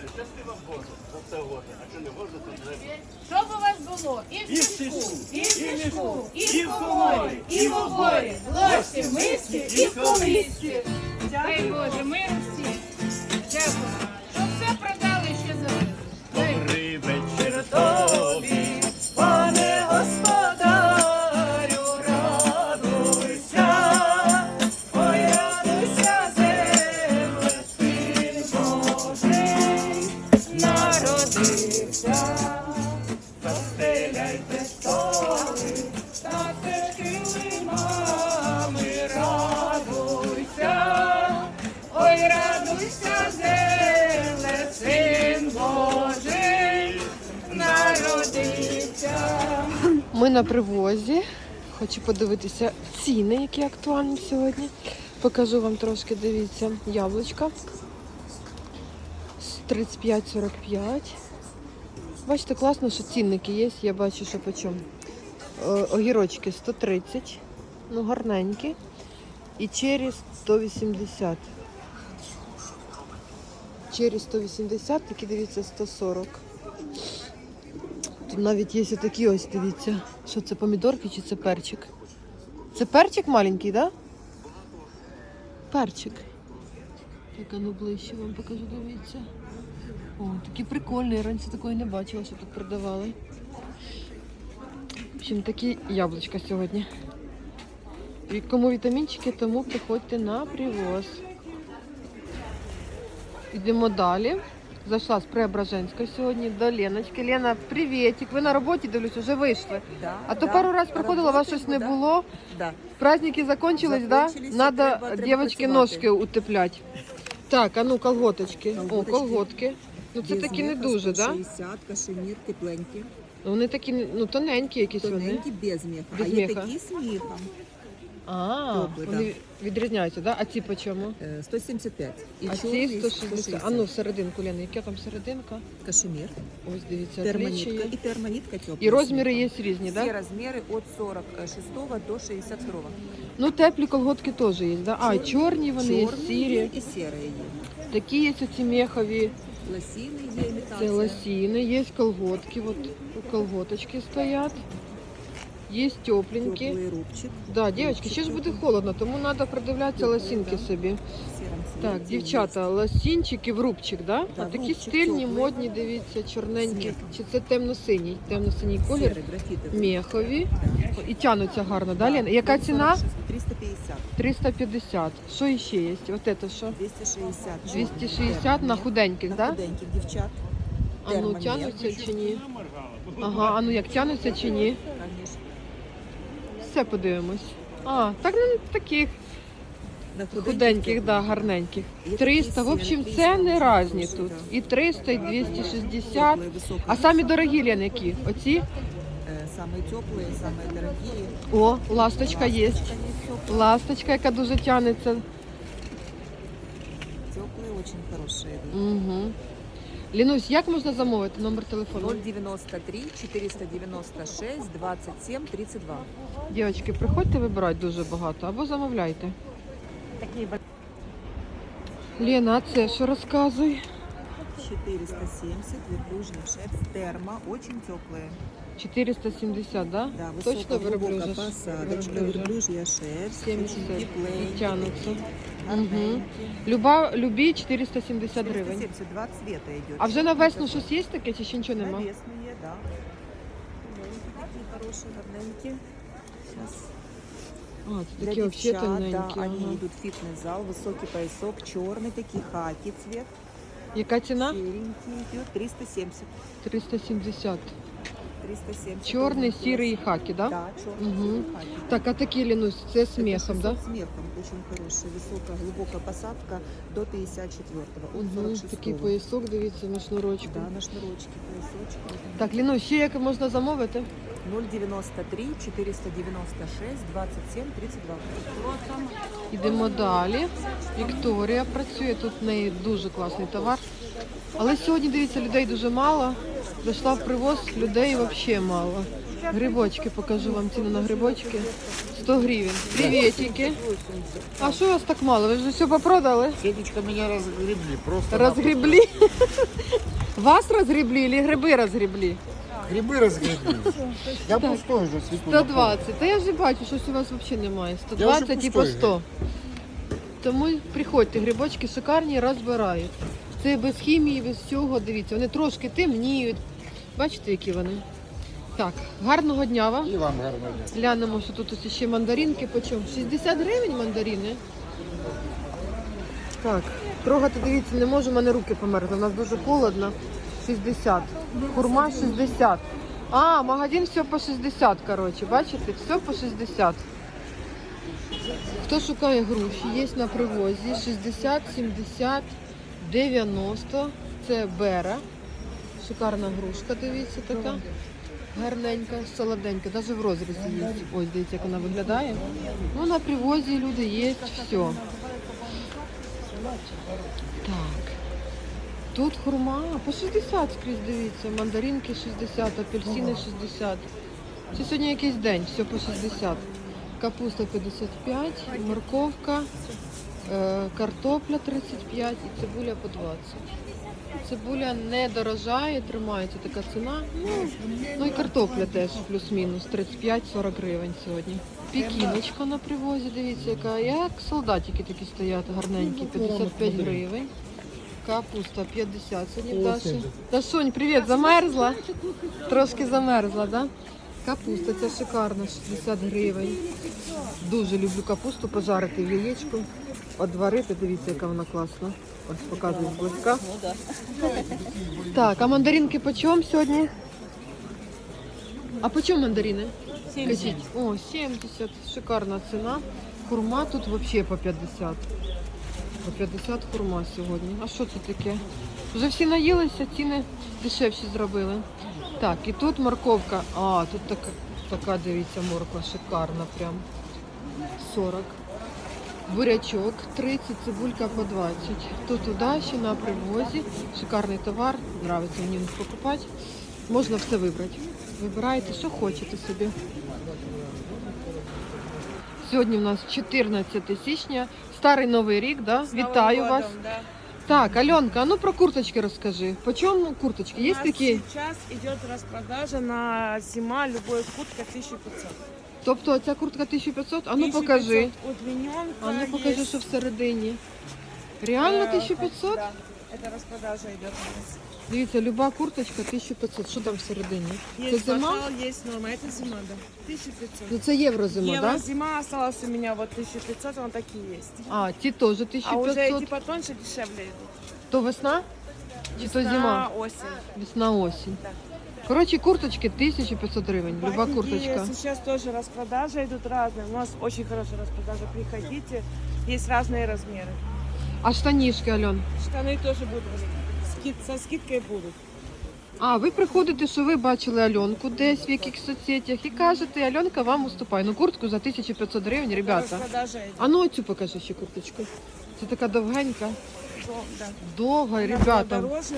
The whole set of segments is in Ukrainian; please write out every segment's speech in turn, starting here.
Щасти вам Боже за це года. А що не Боже, то треба. Щоб у вас було і в І в сільську, сільську, і в мішку, і і в в коморі, коморі, і в оборі, в ложці, в мисці, і в колисці. Дай Боже, мир всім. Дякую. Щоб все продали ще завезли. Добрий вечір тобі, Пане господарю, радуйся, ой, радуйся, земле, Син Божий народився. Застеляйте столи, та килимами, радуйся, ой, радуйся, земле, Син Божий народився. Ми на привозі. Хочу подивитися ціни, які актуальні сьогодні. Покажу вам трошки, дивіться, яблучка. 35-45. Бачите, класно, що цінники є. Я бачу, що по чому. Огірочки 130. Ну, гарненькі. І чері 180. Чері 180, такі, дивіться, 140. Тут навіть є такі ось, дивіться. Що це, помідорки чи це перчик? Це перчик маленький, так? Да? Перчик. Так, а ну ближче вам покажу, дивіться. О, такі прикольні, я раніше такої не бачила, що тут продавали. В общем, такі яблучка сьогодні. І кому вітамінчики, тому приходьте на привоз. Йдемо далі. Зайшла з Преображенська сьогодні до Леночки. Лена, привітик. Ви на роботі, дивлюсь, вже вийшли. Да, А то пару раз приходила, вас щось не було. Да. Праздники закончились, да? Закончились, Надо треба дівчатки працювати. ножки утепляти. Так, а ну колготочки. О, Колготочки. колготки. Ну це Без такі не меха, дуже, да? 160, кашемір, тепленькі. Вони такі, ну тоненькі якісь вони. Тоненькі, без меха. Без А є меха. такі з мехом. А, Добре, вони відрізняються, да? А ці по чому? 175. І А ці чорний 160. А ну всерединку, Лена, яка там серединка? Кашемір, Ось дивіться, термонітка отличие. і термонітка тепла. І розміри є різні, Всі да? розміри від 46 до 62. Ну теплі колготки теж є, да? А, чорні вони є, Чорні сірі. є і сірі є. Такі є оці мехові. Лосіни є Це імітація. лосіни, є колготки, от колготочки стоять. Є тепленькі. Теплий рубчик. Да, дівчатки, ще ж буде холодно, тому треба придивлятися лосінки собі. В сірому Так, цвіті дівчата, лосінчики в рубчик, да? Да, А такі рубчик стильні, теплий. модні, дивіться, чорненькі. З Чи це темно-синій? Темно-синій є. колір. Сірий, графітовий. Мехові. І тянуться гарно, да, Лена? Яка ціна? 350. 350. Що ще є? От це що? 260. 260 на худеньких, на да? худеньких дівчат. А ну Термомет. тянуться чи ні? Ага, а ну як тянуться чи ні? Конечно. Все подивимось. А, так ну таких На худеньких, да, гарненьких. Є 300, такі в общем, 300, ціни різні хороші, тут. да. І 300, і 260. Теплые, высокие. А самі дорогі, Лен, які? Оці? Самые теплые, самые дорогие. О, ласточка є. Ласточка есть теплая. Ласточка, яка дуже тянеться. Теплые, очень хорошие. Угу. Лінусь, як можна замовити номер телефону? 093 496 27 32. Дівчатки, приходьте вибирати дуже багато або замовляйте. Лена, а це що розказуй? 470, верблюжья шерсть, термо, очень теплые. 470, да? Да, Точно высокая, глубокая верблюжа? посадочка, Верблюжа. верблюжья шерсть, 70 очень і тепленькие, тянуться. гарненькие. Любі 470 гривень. 470, два цвета идет. А вже на весну щось є таке, чи ще нічого На нема? весну є, да. Маленькі такі хороші, гарненькі. Сейчас. А, це Для такі взагалі девчат, тоненькі. да, они Ага. идут в фитнес-зал, высокий поясок, черный такие, хаки цвет. Яка ціна? Серенький идет 370. 370. 370. Чорний, Очень сірий і классный. хаки, да? Да, черный, Угу. сірий хаки. Так, а такі, Лінусь, це з Это мехом, 600 да? с мехом, очень хороший, высокая, глубокая посадка до 54-го, от Угу. 46-го. Такий поясок, дивіться, на шнурочку. Да, на шнурочке поясочек. Так, Лінусь, ще як можна замовити? 093 496 27 32. Йдемо далі. Вікторія працює, тут в неї дуже класний товар. Але сьогодні, дивіться, людей дуже мало. Зайшла в привоз, людей взагалі мало. Грибочки, покажу вам ціну на грибочки. 100 гривень. Приветики. А що у вас так мало? Ви вже все попродали? Сеточка меня разгребли, просто Розгребли? Вас розгребли или гриби розгребли? грибы разгребли. Я пустой уже цвету. 120. Та я ж бачу, щось у вас взагалі немає. Я 120 вже і по пустой, 100. Тому приходьте, грибочки шикарні, розбирають. Це без хімії, без всього. Дивіться, вони трошки темніють. Бачите, які вони? Так, гарного дня вам. И вам гарного дня. Глянемо, що тут ось ще мандаринки. Почому? 60 гривень мандарини. Так, трогати, дивіться, не можу, в мене руки померзли. У нас дуже холодно. 60. Хурма 60. А, магазин все по 60, коротше. Бачите? Все по 60. Хто шукає груші, є на привозі. 60, 70, 90. Це бера. Шикарна грушка, дивіться, така. Гарненька, солоденька, навіть в розрізі є. Ось, дивіться, як вона виглядає. Ну, на привозі люди є, все. Так. Тут хурма по 60 скрізь, дивіться. Мандаринки 60, апельсини 60. Це сьогодні якийсь день, все по 60. Капуста 55, морковка, картопля 35 і цибуля по 20. Цибуля не дорожає, тримається така ціна. Ну і картопля теж плюс-мінус 35-40 гривень сьогодні. Пікіночка на привозі, дивіться, яка, як солдатики такі стоять, гарненькі, 55 гривень. Капуста 50 сьогодні в Даші. Дашунь, привіт, замерзла? Трошки замерзла, да? Капуста, ця шикарна, 60 гривень. Дуже люблю капусту пожарити в яєчку, одварити, дивіться, яка вона класна. Ось показую зблизька. Так, а мандаринки по чому сьогодні? А по чому мандарини? 70. О, 70, шикарна ціна. Хурма тут взагалі по 50. По 50 хурма сьогодні. А що це таке? Вже всі наїлися, ціни дешевші зробили. Так, і тут морковка. А, тут така, дивіться, морква шикарна прям. 40. Бурячок 30, цибулька по 20. Тут удачі на привозі. Шикарний товар. Нравиться мені покупати. Можна все вибрати. Вибирайте, що хочете собі. Сьогодні у нас 14 січня. Старий Новий рік, да? Вітаю вас. Да. Так, Альонка, а ну про курточки розкажи. По чому курточки? Є У нас такі? сейчас идет распродажа на зима, любая куртка 1500. Тобто ця куртка 1500? А ну 1500 покажи. удлиненка. А ну покажи, що всередині. Реально 1500? Да, это распродажа идет у нас. Дивіться, люба курточка 1500. Що там всередині? Це Есть зима? пошел, есть норма. Это зима, да. 1500. Ну це єврозима, Евро так? Да? зима осталась у меня вот 1500, она такие есть. А, ті теж А уже 1500. эти потоньше дешевле идут. То весна? Чи то На зима? осень. Весна, осінь. Да. Коротше, курточки 1500 гривень. Люба Ватники курточка. сейчас тоже распродажи идут разные. У нас очень хорошая распродажа. Приходите. Есть разные размеры. А штанішки, Альон? Штаны тоже будут. Со скидкой будут. А, ви приходите, що ви бачили Альонку десь в якихось соцсетях і кажете, Альонка вам уступає. Ну, куртку за 1500 гривень, ребята. Распродажа идет. А ну оцю покажи ще курточку. Це така довгенька, Да. довга, Она ребята. дороже.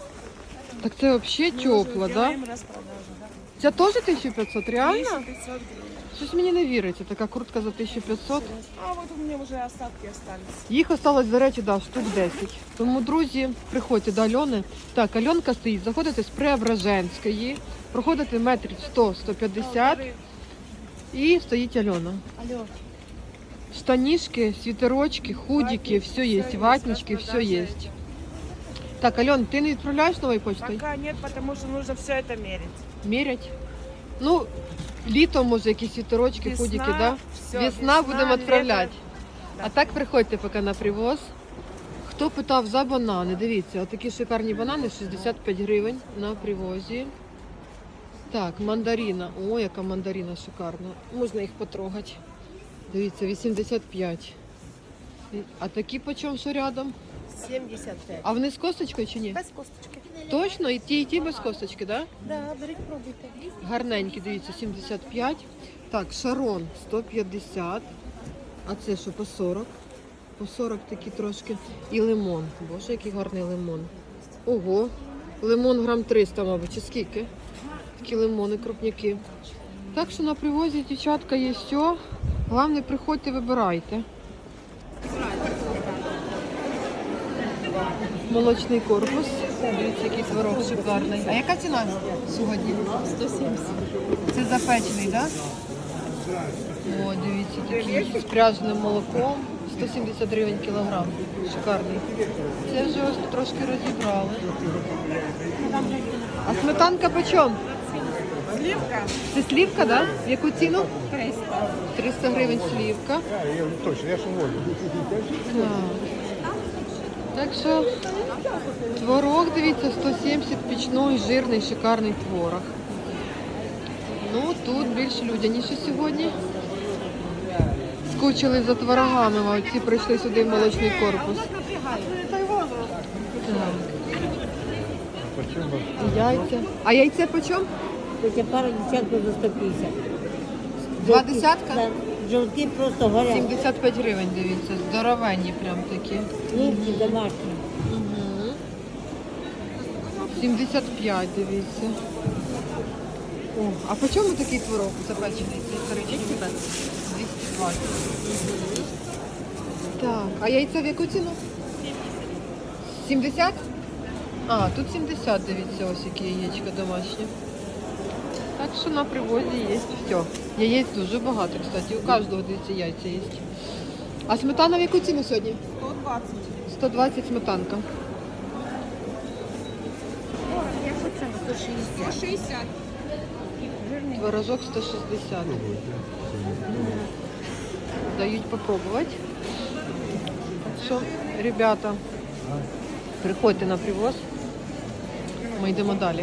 Так це взагалі Мы тепло, уже да? делаем распродажу, да. Це теж 1500, реально? 1500 гривен. Щось мені не віриться, така куртка за 1500. А вот у меня уже остатки остались. Їх осталось, до речі, да, штук 10. Тому, друзі, приходьте до Альони. Так, Альонка стоїть, заходите з Преображенської, проходите метрів 100-150 і стоїть Альона. Алло. Штанишки, свитерочки, худики, все есть, ватнички, все есть. Так, Ален, ты не отправляешь новой почтой? Пока нет, потому что нужно все это мерить. Мерять? Ну, літом, може, якісь свитерочки, Весна, худики, да? всё, Весна будемо лето. відправляти. Да. А так приходьте поки на привоз. Хто питав за банани, дивіться, отакі шикарні банани, 65 гривень на привозі. Так, мандарина. О, яка мандарина шикарна. Можна їх потрогати. Дивіться, 85. А такі по чому, що рядом? 75. А вони з косточкою чи ні? Без косточки. Точно? І ті без косточки, так? Да? Да, беріть, пробуйте. Гарненькі, дивіться, 75. Так, шарон 150. А це що, по 40? По 40 такі трошки. І лимон. Боже, який гарний лимон. Ого. Лимон грам 300, мабуть, чи скільки? Такі лимони, крупняки. Так що на привозі, дівчатка, є все. Головне, приходьте, вибирайте. Молочний корпус. Дивіться, який творог шикарний. А яка ціна сьогодні? 170. Це запечений, так? Да? О, дивіться, такий з пряженим молоком. 170 гривень кілограм. Шикарний. Це вже ось трошки розібрали. А сметанка по чому? Сливка Це слівка, так? Да? В яку ціну? 300. 300 гривень слівка. Точно, я ж уволю. Так що творог, дивіться, 170, пічний, жирний, шикарний творог. Ну, тут більш людяніше сьогодні. Скучили за творогами, а ці прийшли сюди в молочний корпус. Так. Яйця. А яйце по чому? Це пара десятків за 150. Два десятка? Да. Жовтки просто горять. 75 гривень, дивіться, здоровенні прям такі. Хлібці домашні. 75, дивіться. О, а по чому такий творог запечений? Це історичний? 220. Так, а яйця в яку ціну? 70? А, тут 70, дивіться, ось які яєчка домашні. Так що на привозі є все. Яєць дуже багато, кстати. У кожного, дивіться, яйця є. А сметана в яку ціну сьогодні? 120. 120 сметанка. 160. Творожок 160. Дають попробувати. Так що, ребята, приходьте на привоз. Ми йдемо далі.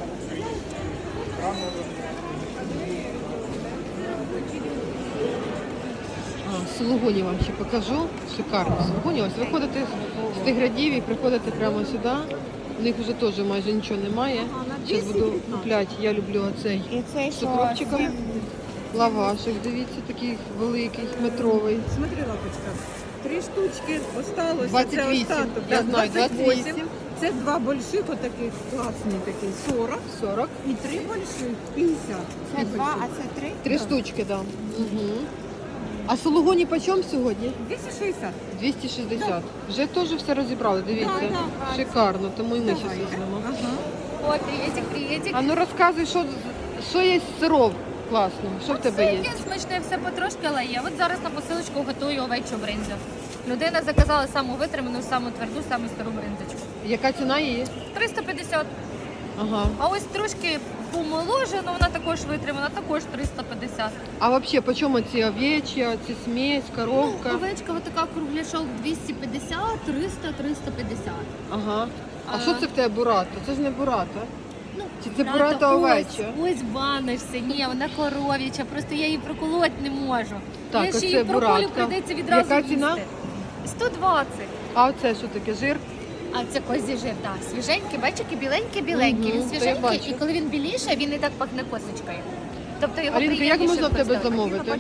Сулугуні вам ще покажу. Шикарні сулугуні. Ось виходите з Тиградів і приходите прямо сюди. У них вже теж майже нічого немає. Зараз буду купляти. Я люблю оцей з укропчиком. Лавашик, дивіться, такий великий, метровий. Смотри, лапочка. 3 штучки осталось. 28, Це остаток. я Да, знаю, 28. Це 2 больших, отаких класні такі, 40. 40. І 3 больших, 50. Це 2, а це 3? 3 штучки, так. Да. Угу. А сулугуні по чому сьогодні? 260. 260. Вже теж все розібрали, дивіться. Да. Шикарно, тому і ми зараз візьмемо. Ага. О, приветик. А ну розказуй, що є з сиров класно, що в тебе є? Є смачне, все потрошки, але є. От зараз на посилочку готую овечу бринзу. Людина заказала саму витриману, саму тверду, саму стару бринзочку. Яка ціна її? 350. Ага. А ось трошки помоложена, вона також витримана, також 350. А взагалі, по чому ці овечі, ці смесь, коровка? Овечка ось така кругляшок 250, 300, 350. Ага. А що це в тебе бурата? Це ж не бурата. Ну, Чи це бурата овеча? Ось банишся, ні, вона коров'яча, просто я її проколоти не можу. Так, я а ще це її проколю, буратка. прийдеться відразу Яка ціна? їсти. 120. А оце що таке, жир? А це козі жир, так. Свіженький, бачите, біленький. Мгм, Він то я свіженький, бачу. і коли він біліше, він і так пахне косочкою. Тобто його Алінка, як приємніше можна в тебе вкусити. замовити?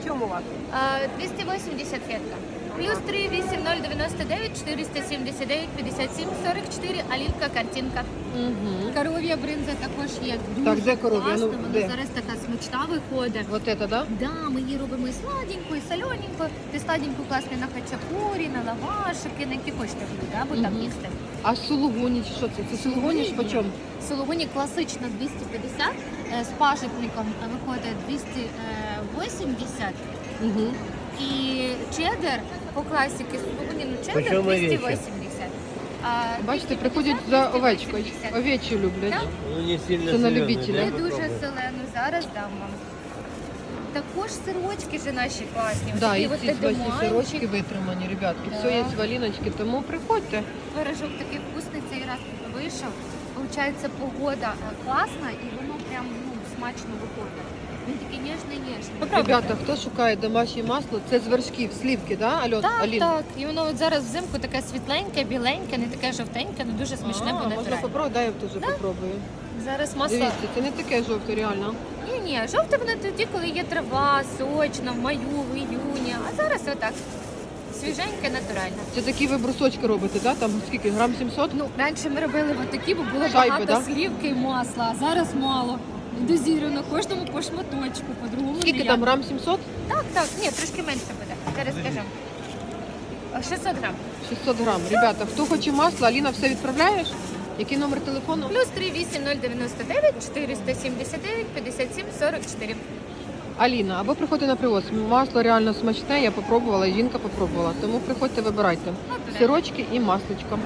280 фетка. Плюс 3 8099 479 57 44 Алінка картинка. Угу. Коров'я бринза також є. Так, Дуже де коров'я? класна, Ну, вона де? зараз така смачна виходить. Вот это, да? Да, ми її робимо і сладенько, і солененько. Ти сладенько класне на хачапурі, на лавашики, на які хочете блюда, або там Мгм. їсти. А сулугуні, чи що це? Це сулугуні ж по чому? Сулугуні класична 250, з пажитником виходить 280. Угу. І чеддер по класіки сулугуні, ну чеддер Почому 280. А Бачите, 250 приходять за овечкою. 280. Овечі люблять. Так? Ну не сильно Це на соленый, любителя. Не да, дуже попробуй. зелену, зараз дам вам. Також сирочки ж наші класні. Да, Такі і от ці бачите, едаманчик. сирочки витримані, ребятки. Все є валіночки, тому приходьте. Творожок такий вкусний цей раз вийшов. Получається, погода класна і воно прям смачно виходить. Він такий ніжний. Ребята, хто шукає домашнє масло, це з вершків, слівки, да, Так, Алін? так. І воно от зараз взимку таке світленьке, біленьке, не таке жовтеньке, але дуже смачне, бо Можна натуральне. попробувати, дай я теж попробую. Зараз масло. Дивіться, це не таке жовте, реально. Ні, жовте воно тоді, коли є трава, сочна, в маю, в іюні. А зараз отак. Свіженьке, натуральне. Це такі ви брусочки робите, да? Там скільки, грам 700? Ну, раніше ми робили отакі, бо було Шайби, багато да? слівки і масла, а зараз мало. Дозіровано кожному по шматочку, по-другому. Скільки ніяк. там, грам 700? Так, ні, трошки менше буде. Зараз скажу. 600 грам. 600 грам. Ребята, хто хоче масло, Аліна все відправляєш? Який номер телефону? Плюс 38099 479 57 44. Аліна, або приходьте на привоз. Масло реально смачне, я попробувала, і жінка попробувала. Тому приходьте, вибирайте. Сирочки і масличко.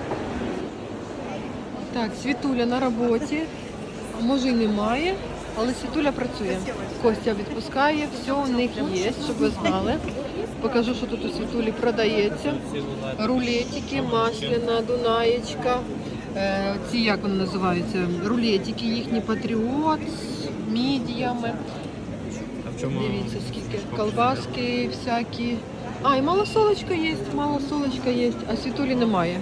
Так, Світуля на роботі. А може і немає, але Світуля працює. Костя відпускає, все у них є, щоб ви знали. Покажу, що тут у Світулі продається. Рулетики, масляна, дунаєчка. Ці, як вони називаються? Рулетики їхні патріот з мідіями. Дивіться, скільки колбаски всякі. А, і малосолочка є, а Світулі немає.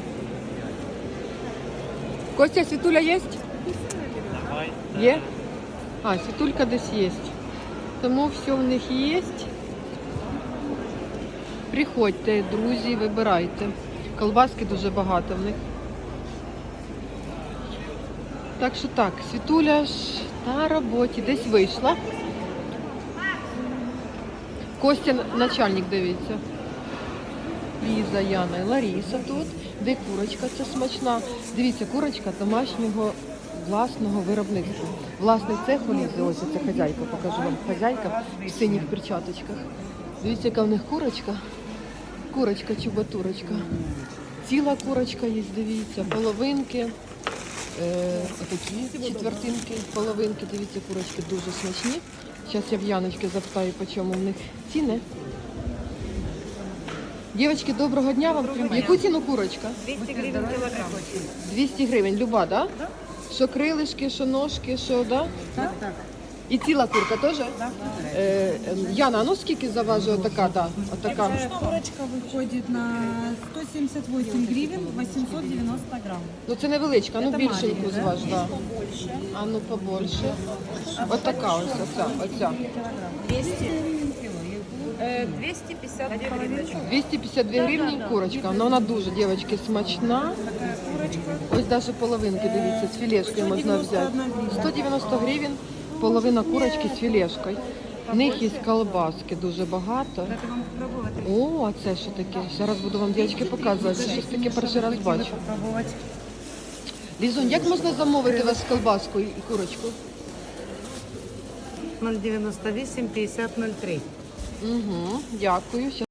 Костя, Світуля є? Є? А, Світулька десь є. Тому все в них є. Приходьте, друзі, вибирайте. Колбаски дуже багато в них. Так що так, Світуля ж на роботі, десь вийшла. Костя начальник, дивіться. Ліза, Яна і Ларіса тут. Де курочка, це смачна. Дивіться, курочка домашнього власного виробництва. Власний цех у Лізи, ось це хазяйка, покажу вам. Хазяйка в синіх перчаточках. Дивіться, яка в них курочка. Курочка, чубатурочка. Ціла курочка є, дивіться, половинки. Такі четвертинки, половинки, дивіться, курочки дуже смачні. Зараз я в Яночки запитаю, по чому в них ціни. Дівчатки, доброго дня вам. Яку ціну курочка? 200 гривен килограмм. 200 гривень, люба, да? Що крилишки, що ножки, що, да? Так, так. І ціла курка теж? Яна, а ну скільки заважує отака, да? Отака. Курочка выходит на 178 гривен, 890 грамм. Ну це невеличка, а ну Це більшеньку маленька, зваж, да. А ну побольше. Отака ось, оця. 250 гривень. 252 гривні курочка, але вона дуже, дівчатки, смачна. Ось навіть половинки, дивіться, з філешкою можна взяти. 190 гривень, половина курочки з філешкою. В них є колбаски дуже багато. О, а це що таке? Зараз буду вам, дівчатки, показувати. Це щось таке перший раз бачу. Лізунь, як можна замовити вас колбаску і курочку? 098 50 03. Угу, дякую.